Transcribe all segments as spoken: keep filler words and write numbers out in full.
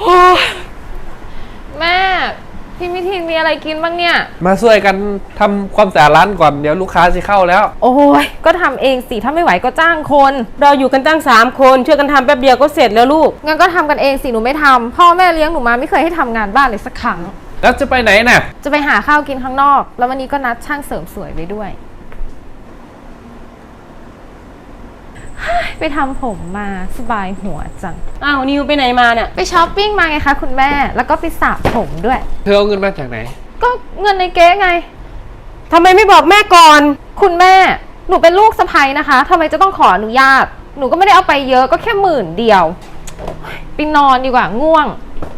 แม่พี่มิทินมีอะไรกินบ้างเนี่ยมาช่วยกันทำความสะอาดร้านก่อนเดี๋ยวลูกค้าจะเข้าแล้วโอ้ยก็ทำเองสิถ้าไม่ไหวก็จ้างคนเราอยู่กันตั้งสามคนช่วยกันทำแป๊บเดียวก็เสร็จแล้วลูกงั้นก็ทำกันเองสิหนูไม่ทำพ่อแม่เลี้ยงหนูมาไม่เคยให้ทำงานบ้านเลยสักครั้งแล้วจะไปไหนน่ะจะไปหาข้าวกินข้างนอกแล้ววันนี้ก็นัดช่างเสริมสวยไว้ด้วยไปทำผมมาสบายหัวจังอ้าวนิวไปไหนมาเนี่ยไปช้อปปิ้งมาไงคะคุณแม่แล้วก็ไปสระผมด้วยเธอเอาเงินมาจากไหนก็เงินในเก๊ไงทำไมไม่บอกแม่ก่อนคุณแม่หนูเป็นลูกสะใภ้นะคะทำไมจะต้องขออนุญาตหนูก็ไม่ได้เอาไปเยอะก็แค่หมื่นเดียวไปนอนดีกว่าง่วง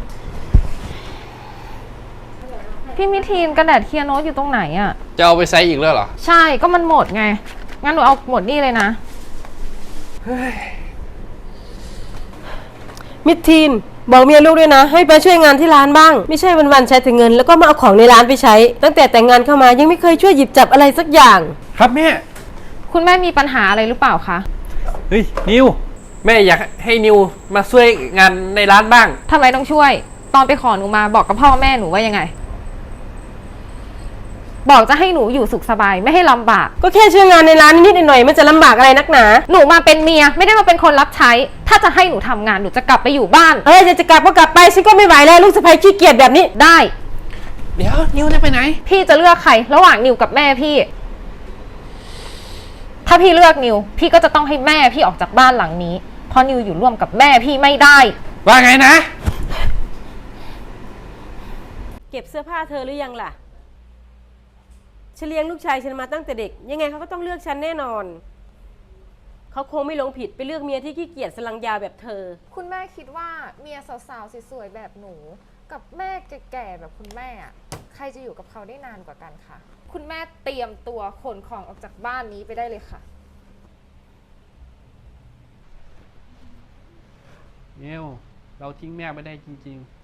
พี่มิทีนกระดาษเคียร์โน้ตอยู่ตรงไหนอะจะเอาไปใช้อีกแล้วเหรอใช่ก็มันหมดไงงั้นหนูเอาหมดนี่เลยนะมิทีนบอกเมียลูกด้วยนะให้ไปช่วยงานที่ร้านบ้างไม่ใช่วันๆใช้แต่เงินแล้วก็มาเอาของในร้านไปใช้ตั้งแต่แต่งงานเข้ามายังไม่เคยช่วยหยิบจับอะไรสักอย่างครับแม่คุณแม่มีปัญหาอะไรหรือเปล่าคะเฮ้ยนิวแม่อยากให้นิวมาช่วยงานในร้านบ้างทำไมต้องช่วยตอนไปขอหนูมาบอกกับพ่อแม่หนูว่ายังไงบอกจะให้หนูอยู่สุขสบายไม่ให้ลำบากก็แค่ช่วยงานในร้านนิดๆหน่อยๆมันจะลำบากอะไรนักหนาหนูมาเป็นเมียไม่ได้มาเป็นคนรับใช้ถ้าจะให้หนูทำงานหนูจะกลับไปอยู่บ้านเออจะจะกลับก็กลับไปฉันก็ไม่ไหวแล้วลูกสะใภ้ขี้เกียจแบบนี้ได้เดี๋ยวนิวจะไปไหนพี่จะเลือกใครระหว่างนิวกับแม่พี่ถ้าพี่เลือกนิวพี่ก็จะต้องให้แม่พี่ออกจากบ้านหลังนี้เพราะนิวอยู่ร่วมกับแม่พี่ไม่ได้ว่าไงนะเก็บเสื้อผ้าเธอหรือยังล่ะฉันเลี้ยงลูกชายฉันมาตั้งแต่เด็กยังไงเขาก็ต้องเลือกฉันแน่นอนเขาคงไม่หลงผิดไปเลือกเมียที่ขี้เกียจสลังยาวแบบเธอคุณแม่คิดว่าเมียสาวๆสวยๆแบบหนูกับแม่แก่ๆแบบคุณแม่อะใครจะอยู่กับเขาได้นานกว่ากันคะคุณแม่เตรียมตัวขนของออกจากบ้านนี้ไปได้เลยค่ะนิวเราทิ้งแม่ไม่ได้จริงๆ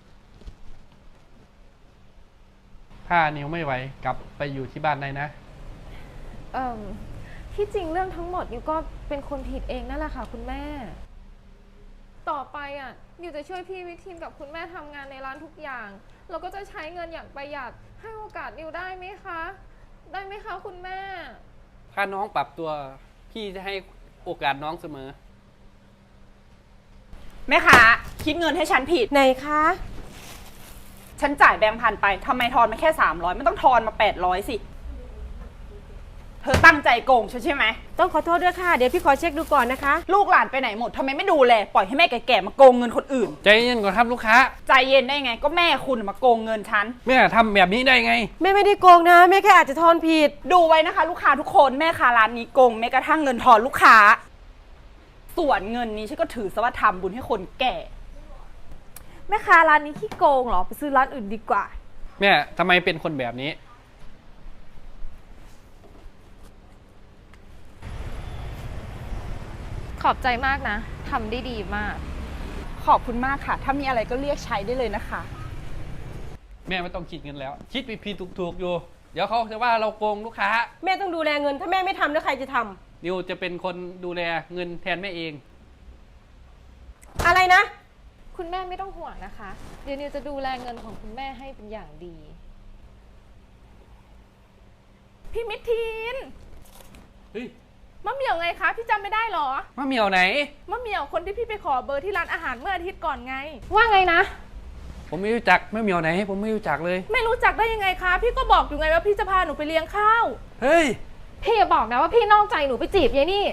ถ้านิวไม่ไหวกลับไปอยู่ที่บ้านได้นะเอ่อที่จริงเรื่องทั้งหมดนิวก็เป็นคนผิดเองนั่นแหละค่ะคุณแม่ต่อไปอ่ะนิวจะช่วยพี่วิทินกับคุณแม่ทำงานในร้านทุกอย่างเราก็จะใช้เงินอย่างประหยัดให้โอกาสนิวได้ไหมคะได้ไหมคะคุณแม่ถ้าน้องปรับตัวพี่จะให้โอกาสน้องเสมอแม่ค้าคิดเงินให้ฉันผิดไหนคะฉันจ่ายแบงค์พันไปทำไมทอนมาแค่สามร้อยไม่ต้องทอนมาแปดร้อยสิเธอตั้งใจโกงฉันใช่ไหมต้องขอโทษด้วยค่ะเดี๋ยวพี่ขอเช็คดูก่อนนะคะลูกหลานไปไหนหมดทำไมไม่ดูแลปล่อยให้แม่แก่ๆมาโกงเงินคนอื่นใจเย็นก่อนครับลูกค้าใจเย็นได้ไงก็แม่คุณมาโกงเงินฉันแม่ทำแบบนี้ได้ไงแม่ไม่ได้โกงนะแม่แค่อาจจะทอนผิดดูไว้นะคะลูกค้าทุกคนแม่ค้าร้านนี้โกงแม้กระทั่งเงินทอนลูกค้าส่วนเงินนี้ฉันก็ถือซะว่าทำบุญให้คนแก่แม่ค้าร้านนี้ขี้โกงเหรอไปซื้อร้านอื่นดีกว่าแม่ทำไมเป็นคนแบบนี้ขอบใจมากนะทำได้ดีมากขอบคุณมากค่ะถ้ามีอะไรก็เรียกใช้ได้เลยนะคะแม่ไม่ต้องคิดเงินแล้วคิดผิดๆถูกๆอยู่เดี๋ยวเขาจะว่าเราโกงลูกค้าแม่ต้องดูแลเงินถ้าแม่ไม่ทำแล้วใครจะทำนิวจะเป็นคนดูแลเงินแทนแม่เองอะไรนะคุณแม่ไม่ต้องห่วงนะคะเดี๋ยวนิวจะดูแลเงินของคุณแม่ให้เป็นอย่างดีพี่มิทีนเฮ้ยมะเหมี่ยวไงคะพี่จำไม่ได้หรอมะเหมี่ยวไหนมะเหมี่ยวคนที่พี่ไปขอเบอร์ที่ร้านอาหารเมื่ออาทิตย์ก่อนไงว่าไงนะผมไม่รู้จักมะเหมี่ยวไหนผมไม่รู้จักเลยไม่รู้จักได้ยังไงคะพี่ก็บอกอยู่ไงว่าพี่จะพาหนูไปเลี้ยงข้าวเฮ้ยพี่อย่าบอกนะว่าพี่นอกใจหนูไปจีบยายนี่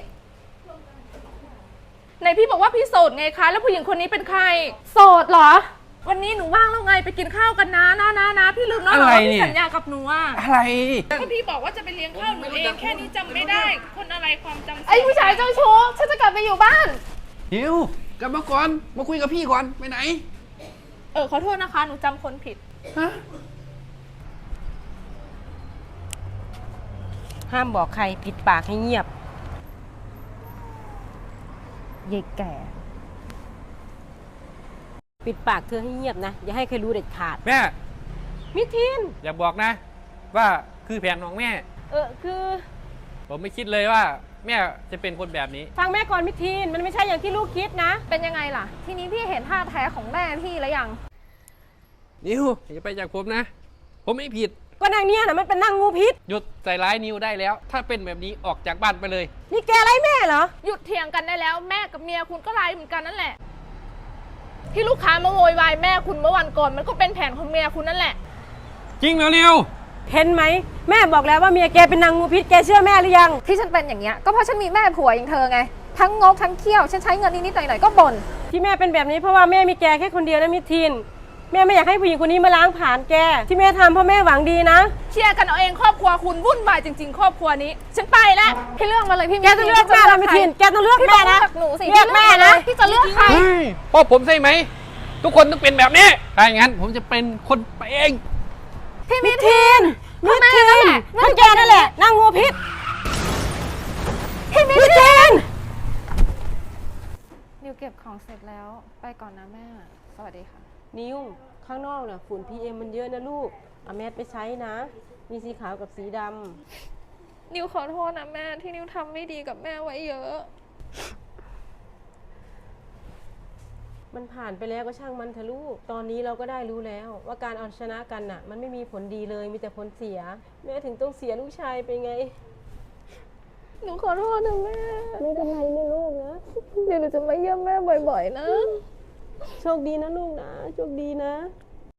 ไหนพี่บอกว่าพี่โสดไงคะแล้วผู้หญิงคนนี้เป็นใครโสดเหรอวันนี้หนูว่างแล้วไงไปกินข้าวกันนะนะนะนะพี่ลืมแล้วเหรอพี่สัญญากับหนูอ่ะอะไรก็พี่บอกว่าจะไปเลี้ยงข้าวหนูเองแค่นี้จำไม่ได้คนอะไรความจำไอ้ผู้ชายเจ้าชู้ฉันจะกลับไปอยู่บ้านฮิวกลับมาก่อนมาคุยกับพี่ก่อนไปไหนเออขอโทษนะคะหนูจำคนผิดฮะห้ามบอกใครปิดปากให้เงียบยายแก่ปิดปากเธอให้เงียบนะอย่าให้ใครรู้เด็ดขาดแม่มิทินอย่าบอกนะว่าคือแผนของแม่เออคือผมไม่คิดเลยว่าแม่จะเป็นคนแบบนี้ฟังแม่ก่อนมิทีนมันไม่ใช่อย่างที่ลูกคิดนะเป็นยังไงล่ะ ทีนี้พี่เห็นท่าแท้ของแม่พี่แล้วยังนิวอย่าไปจากผมนะ ผมไม่ผิดก็นางเนี่ยนะมันเป็นนางงูพิษหยุดใส่ร้ายนิวได้แล้ว ถ้าเป็นแบบนี้ออกจากบ้านไปเลยนี่แกไรแม่เหรอหยุดเถียงกันได้แล้วแม่กับเมียคุณก็ไล่เหมือนกันนั่นแหละ ที่ลูกค้ามาโวยวายแม่คุณเมื่อวันก่อนมันก็เป็นแผนของเมียคุณนั่นแหละจริงเหรอนิวเห็นไหมแม่บอกแล้วว่าเมียแกเป็นนางงูพิษแกเชื่อแม่หรือยังที่ฉันเป็นอย่างเงี้ยก็เพราะฉันมีแม่ผัวอย่างเธอไง ทั้งงกทั้งเขี้ยวฉันใช้เงินนิดๆหน่อยๆก็บ่นที่แม่เป็นแบบนี้เพราะว่าแม่มีแกแค่คนเดียวนะมิทีนแม่ไม่อยากให้ผู้หญิงคนนี้มาล้างผ่านแก ที่แม่ทำเพราะแม่หวังดีนะเคลียร์กันเอาเองครอบครัวคุณวุ่นวายจริงๆ ครอบครัวนี้ ฉันไปแล้วพี่เลือกมาเลยพี่แกต้องเลือกแม่นะมิทีนแกต้องเลือกพี่แม่ต้องเลืนะอกหนูสิเลือกแม่นะพี่จะเลือกใครเฮ้ยพ่อผมใช่ไหม ทุกคนต้องเป็นแบบนี้ ถ้าอย่างนั้นผมจะเป็นคนไปเองพี่มิมิทีทีนมิทีนเพราะแกนั่นแหละนางงูพิษพี่มิมิทีนนิวเก็บของเสร็จแล้วไปก่อนนะแม่สวัสดีค่ะนิวข้างนอกน่ะฝุ่น พี เอ็ม มันเยอะนะลูกเอาแมสไปใช้นะ มีสีขาวกับสีดำนิวขอโทษนะแม่ที่นิวทำไม่ดีกับแม่ไว้เยอะมันผ่านไปแล้วก็ช่างมันเถอะลูก ตอนนี้เราก็ได้รู้แล้วว่าการเอาชนะกันน่ะ มันไม่มีผลดีเลยมีแต่ผลเสีย แม่ถึงต้องเสียลูกชายไปไงหนูขอโทษนะแม่ไม่เป็นไรนะลูกนะเดี๋ยวหนูจะมาเยี่ยมแม่บ่อยๆนะโชคดีนะลูกนะโชคดีนะ